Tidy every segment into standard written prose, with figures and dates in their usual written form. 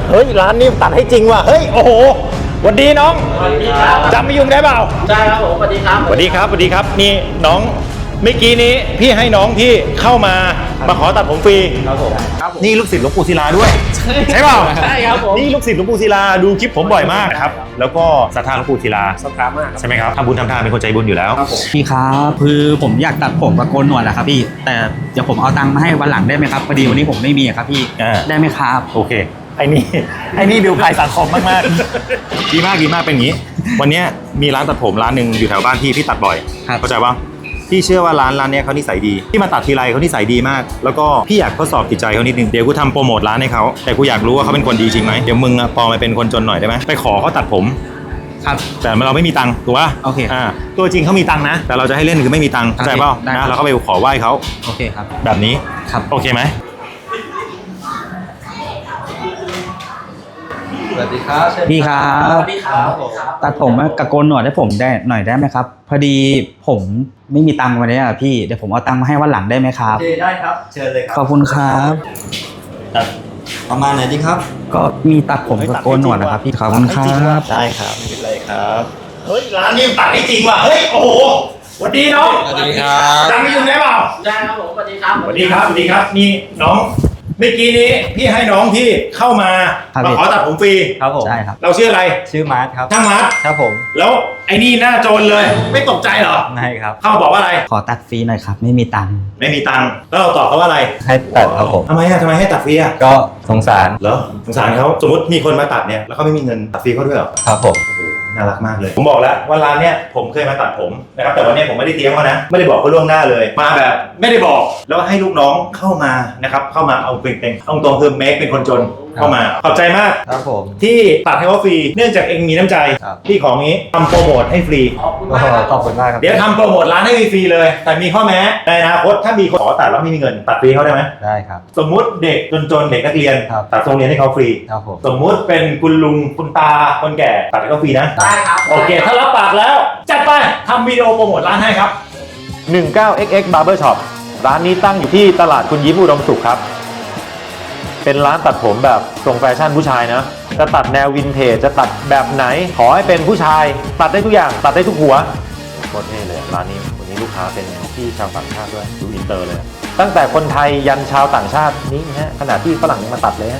เฮ้ยร้านนี้ตัดให้จริงว่ะเฮ้ยโอ้โหสวัสดีน้องสวัสดีครับจำไม่ยุ่งได้เปล่าใช่ครับผมสวัสดีครับสวัสดีครับสวัสดีครับนี่น้องเมื่อกี้นี้พี่ให้น้องพี่เข้ามาขอตัดผมฟรีครับผมนี่ลูกศิษย์หลวงปู่ศิลาด้วยใช่เปล่าใช่ครับผมนี่ลูกศิษย์หลวงปู่ศิลาดูคลิปผมบ่อยมากนะครับแล้วก็ศรัทธาหลวงปู่ศิลาศรัทธามากใช่ไหมครับทำบุญทำทานเป็นคนใจบุญอยู่แล้วพี่ครับคือผมอยากตัดผมกับโกนหนวดแหละครับพี่แต่เดี๋ยวผมเอาตังค์มาให้วันหลังได้ไหมครับพอดีวันนี้ผมไม่มีครับพี่ได้ไหมครับโอเคไอ้นี่ดูภัยสังคมมากๆดีมากเป็นอย่างนี้วันนี้มีร้านตัดผมร้านหนึ่งอยู่แถวบ้านพี่ตัดบ่อยเข้าใจป่ะพี่เชื่อว่าร้านนี้เขานิสัยดีที่มาตัดทีไรเขานิสัยดีมากแล้วก็พี่อยากทดสอบจิตใจเขานิดนึงเดี๋ยวกูทำโปรโมทร้านให้เขาแต่กูอยากรู้ว่าเขาเป็นคนดีจริงไหมเดี๋ยวมึงปลอมมาเป็นคนจนหน่อยได้ไหมไปขอเขาตัดผมครับแต่เราไม่มีตังค์ถูกป่ะโอเคตัวจริงเขามีตังค์นะแต่เราจะให้เล่นคือไม่มีตังค์เข้าใจป่ะนะเราก็ไปขอไหว้เขาโอเคครับแบบนี้ครับโอเคไหมสวัสดีครับพี่ครับสวัสดีครับตัดผมกับโกนหนวดให้ผมได้หน่อยได้ไหมครับพอดีผมไม่มีตังค์วันนี้อ่ะพี่เดี๋ยวผมเอาตังค์มาให้วันหลังได้ไหมครับได้ครับเชิญเลยครับขอบคุณครับประมาณไหนดีครับก็มีตัดผมกับโกนหนวดนะครับพี่ขอบคุณครับได้ครับไม่เป็นไรครับเฮ้ยร้านนี้ตัดให้จริงว่ะเฮ้ยโอ้โหสวัสดีน้องสวัสดีครับจำไม่ยุ่งได้เปล่าได้ครับผมสวัสดีครับสวัสดีครับนี่น้องเมื่อกี้นี้พี่ให้น้องพี่เข้ามาขอตัดผมฟรีครับผมใช่ครับเราชื่ออะไรชื่อมาร์ทครับช่างมาร์ทครับผมแล้วไอ้นี่หน้าโจรเลยไม่ตกใจเหรอไม่ครับเข้าบอกว่าอะไรขอตัดฟรีหน่อยครับไม่มีตังค์แล้วเราตอบเขาว่าอะไรให้ตัดครับผมทำไมให้ตัดฟรีอ่ะก็สงสารเหรอสงสารเขาสมมติมีคนมาตัดเนี่ยแล้วเขาไม่มีเงินตัดฟรีเขาด้วยเหรอครับผมน่ารักมากเลยผมบอกแล้วว่าร้านเนี้ยผมเคยมาตัดผมนะครับแต่วันนี้ผมไม่ได้เตรียมเขานะไม่ได้บอกเขาล่วงหน้าเลยมาแบบไม่ได้บอกแล้วให้ลูกน้องเข้ามานะครับเข้ามาเอาเป็นเอาตรงคือเมคเป็นคนจนเข้ามาขอบใจมากครับผมที่ตัดให้เขาฟรีเนื่องจากเองมีน้ำใจที่ของนี้ทำโปรโมทให้ฟรีขอบคุณมากครับเดี๋ยวทำโปรโมทร้านให้ฟรีเลยแต่มีข้อแม้ในอนาคตถ้ามีคนขอตัดแล้วไม่มีเงินตัดฟรีเขาได้ไหมได้ครับสมมุติเด็กจนๆเด็กนักเรียนตัดโรงเรียนให้เขาฟรีครับผมสมมุติเป็นคุณลุงคุณตาคนแก่ตัดให้เขาฟรีนะได้ครับโอเคถ้ารับปากแล้วจัดไปทำวิดีโอโปรโมทร้านให้ครับ 19XX Barber Shop ร้านนี้ตั้งอยู่ที่ตลาดคุณยิ้มอุดมสุขครับเป็นร้านตัดผมแบบทรงแฟชั่นผู้ชายนะจะตัดแนววินเทจจะตัดแบบไหนขอให้เป็นผู้ชายตัดได้ทุกอย่างตัดได้ทุกหัวโคตรเท่เลยร้านนี้วันนี้ลูกค้าเป็นพี่ชาวต่างชาติด้วยดูอินเตอร์เลยตั้งแต่คนไทยยันชาวต่างชาตินี่ฮะขนาดที่ฝรั่งมาตัดเลยฮะ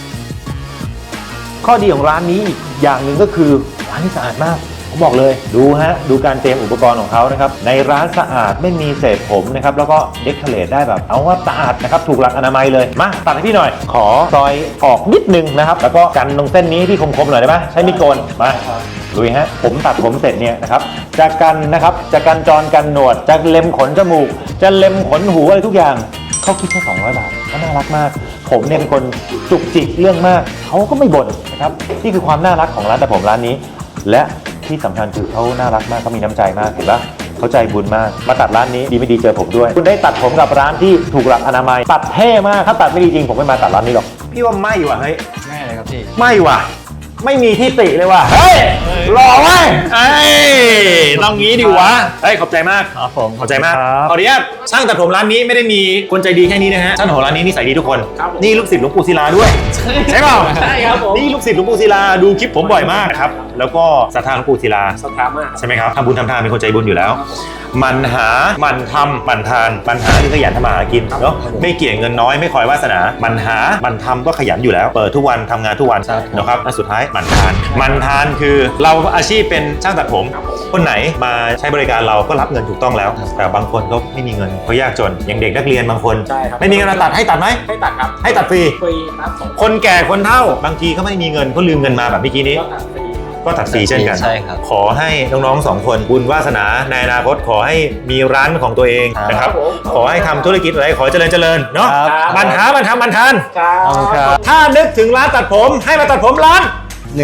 ข้อดีของร้านนี้อีกอย่างหนึ่งก็คือร้านนี้สะอาดมากผมบอกเลยดูการเตรียมอุปกรณ์ของเขานะครับในร้านสะอาดไม่มีเศษผมนะครับแล้วก็เดคอเรทได้แบบเอาว่าสะอาดนะครับถูกหลักอนามัยเลยมาตัดให้พี่หน่อยขอซอยออกนิดนึงนะครับแล้วก็กันตรงเส้นนี้พี่คมๆหน่อยได้ไหมใช้มีดโกนมาลุยฮะผมตัดผมเสร็จเนี่ยนะครับจะกันจรกันหนวดจะเล็มขนจมูกจะเล็มขนหูอะไรทุกอย่างเขาคิดแค่200 บาทก็น่ารักมากผมเนี่ยเป็นคนจุกจิกเรื่องมากเขาก็ไม่บ่นนะครับนี่คือความน่ารักของร้านตัดผมร้านนี้และที่สำคัญคือเขาน่ารักมากเขามีน้ำใจมากเห็นปะเขาใจบุญมากมาตัดร้านนี้ดีไม่ดีเจอผมด้วยคุณได้ตัดผมกับร้านที่ถูกหลักอนามัยตัดเท่มากถ้าตัดไม่ดีจริงผมไม่มาตัดร้านนี้หรอกพี่ว่าไม่ว่ะเฮ้ยไม่เลยครับพี่ไม่ว่ะไม่มีที่ติเลยว่ะเฮ้ยหล่อเว้ยต้องงี้ดิวะเฮ้ยขอบใจมากครับผมขอบใจมากขออนุญาตช่างตัดผมร้านนี้ไม่ได้มีคนใจดีแค่นี้นะฮะช่างตัดผมร้านนี้นิสัยดีทุกคนนี่ลูกศิษย์หลวงปู่ศิลาด้วยใช่เปล่าใช่ครับผมนี่ลูกศิษย์หลวงปู่ศิลาดูคลิปผมบ่อยมากนะครับแล้วก็ศรัทธาหลวงปู่ศิลาศรัทธามากใช่ไหมครับทำบุญทำทานเป็นคนใจบุญอยู่แล้วมันหามันทำมันทานปัญหาคือขยันทำมาหากินเนาะไม่เกี่ยงเงินน้อยไม่คอยวาสนามันหามันทำก็ขยันอยู่แล้วเปิดทุกวันทำงานทุกวันนะครับและสุดท้ายมันทานคือเราอาชีพเป็นช่างตัดผมคนไหนมาใช้บริการเราก็รับเงินถูกต้องแล้วแต่บางคนก็ไม่มีเงินเขายากจนอย่างเด็กนักเรียนบางคนไม่มีเงินมาตัดให้ตัดไหมให้ตัดครับให้ตัดฟรีครับคนแก่คนเฒ่าบางทีเขาไม่มีเงินเขาลืมเงินมาแบบเมื่อกี้นี้ก็ตัดฟรีเช่นกันขอให้น้องๆ2 คนบุญวาสนาในอนาคตขอให้มีร้านของตัวเองนะครับขอให้ทำธุรกิจอะไรขอเจริญเนาะมันหามันทำมันทานถ้านึกถึงร้านตัดผมให้มาตัดผมร้าน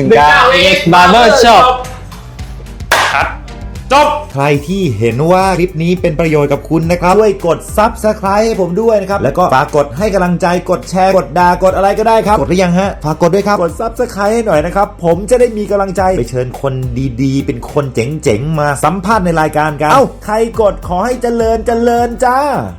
19XX Barber Shop ครับจบใครที่เห็นว่าคลิปนี้เป็นประโยชน์กับคุณนะครับช่วยกด Subscribe ให้ผมด้วยนะครับแล้วก็ฝากกดให้กำลังใจกดแชร์กดด่ากดอะไรก็ได้ครับกดหรือยังฮะฝากกดด้วยครับกด Subscribe ให้หน่อยนะครับผมจะได้มีกำลังใจไปเชิญคนดีๆเป็นคนเจ๋งๆมาสัมภาษณ์ในรายการกันเอ้าใครกดขอให้เจริญจ้า